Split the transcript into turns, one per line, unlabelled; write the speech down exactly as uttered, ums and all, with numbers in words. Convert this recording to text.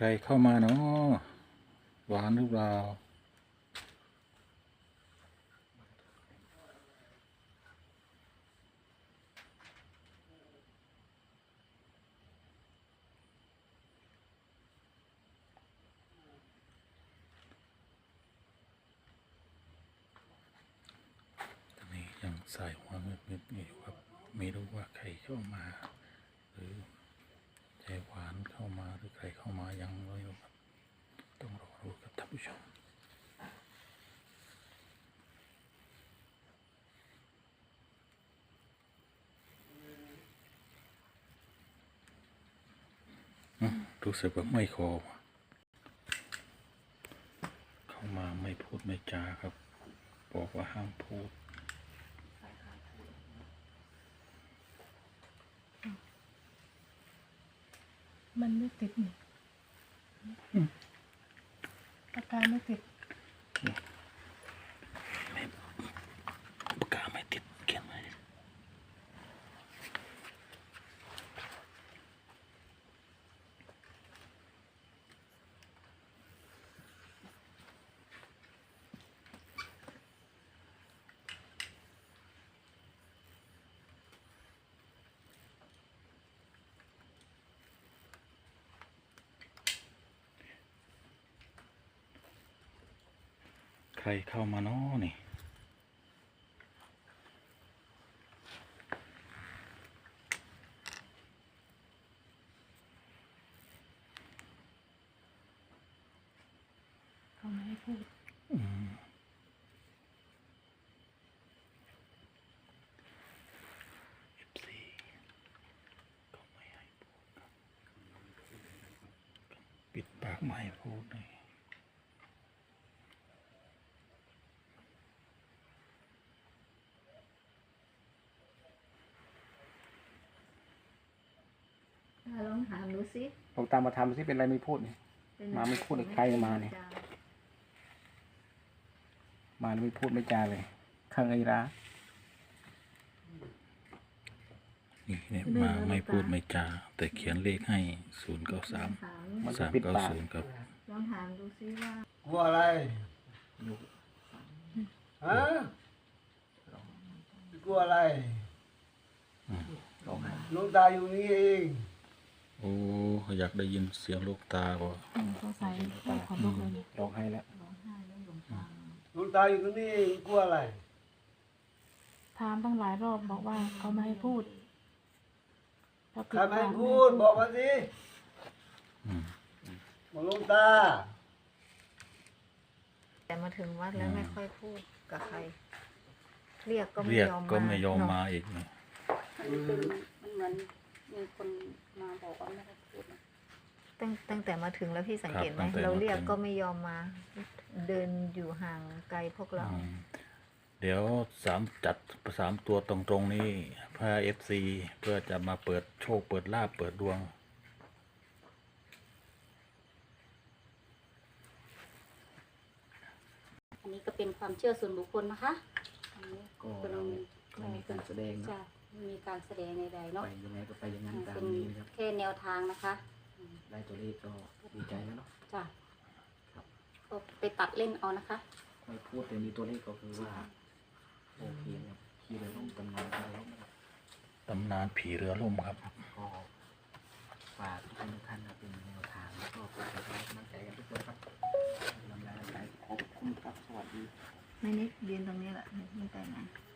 รเข้ามาเนาะหวานหรือเปล่าตอนนี้ยังใส่หัวเงึบๆอยู่ครับไม่รู้ว่าใครเข้ามาหรือใจหวานเข้ามาหรือใครเข้ามายังไม่รู้ครับต้องรอรู้กับท่านผู้ชมรู้สึกว่าไม่คอเข้ามาไม่พูดไม่จาครับบอกว่าห้ามพูด
มันไม่ติดนี่ปากกาไม่ติด
ปากกาไม่ติดเขียนไว้ใครเข้ามาน้อนี่
เขาไม่ให้พูด
อืมเอฟซีก็ไม่ให้พูดครับปิดปากไม่ให้พูดเลย
ลองถามดูสิ
ลองตามมาทำสิเป็นอะไรไม่พูดเนี่ยมาไม่พูดใครมาเนี่ยมาไม่พูดไม่จาเลยข้างไอ้ร้า
นี่เนี่ยมาไม่พูดไม่จาแต่เขียนเลขให้ศูนย์เก้าสามสามเก้าศูนย์ครับ
ลองถามดูสิว่าก
ลัวอะไรฮะกลัวอะไรหลวงตาอยู่นี่เอง
โอ้อยากได้ยินเสียงลูกตาว่ะ
เขาใส่ใส่ขนลุกเลยเนี่ย
ร้องไห้แล้ว
หลวงตาอยู่ตรงนี้เองกลัวอะไร
ถามตั้งหลายรอบบอกว่าเขาไม่ให้พูด
ใครไม่ให้พูดบอกมาสิบอกหลวงตา
แต่มาถึงวัดแล้วไม่ค่อยพูดกับใคร เรียกก็ไม่
เรียก
ยอมมา
ก็ไม่ยอม
เนะ
มาอีกนะ
มันเป็นมันเหมือนมีคนมาบอกว่าไม่ให้พูดนะ
ตั้งตั้งแต่มาถึงแล้วพี่สังเกตไหมเราเรียกก็ไม่ยอมมา เดินอยู่ห่างไกลพวกเรา
อืมเดี๋ยวสามจัดสามตัวตรงๆนี้เพื่อเอฟซีเพื่อจะมาเปิดโชคเปิดลาภเปิดดวง
อันนี้ก็เป็นความเชื่อส่วนบุคคลนะคะอันนี้
ก็เราไม่มีการแสดงนะ
จะไม่มีการแสดงใดๆเนาะ
ไปยังไงก็ไปอย่างนั้นตาม
เป็น
นี้นะครับ
แค่แนวทางนะคะ
ได้ตัวเลขก็ดีใจแล้วเนาะ
จ้ะก็ไปตัดเล่นเอานะคะ
ไม่พูดแต่มีตัวเลขก็คือว่าโอเคครับคีย์เลยต้องตำนานอะไรนะครับ
ตำนานผีเรือล่มครับ
ก็ฝากทุกคนทุกท่านนะเป็นแนวทางแล้วก็เป็นกำลังใจกันทุกคนครับกำลังใจขอบคุณครับสวัสดี
ไม่นิดยืนตรงนี้แหละไม่ไปไหน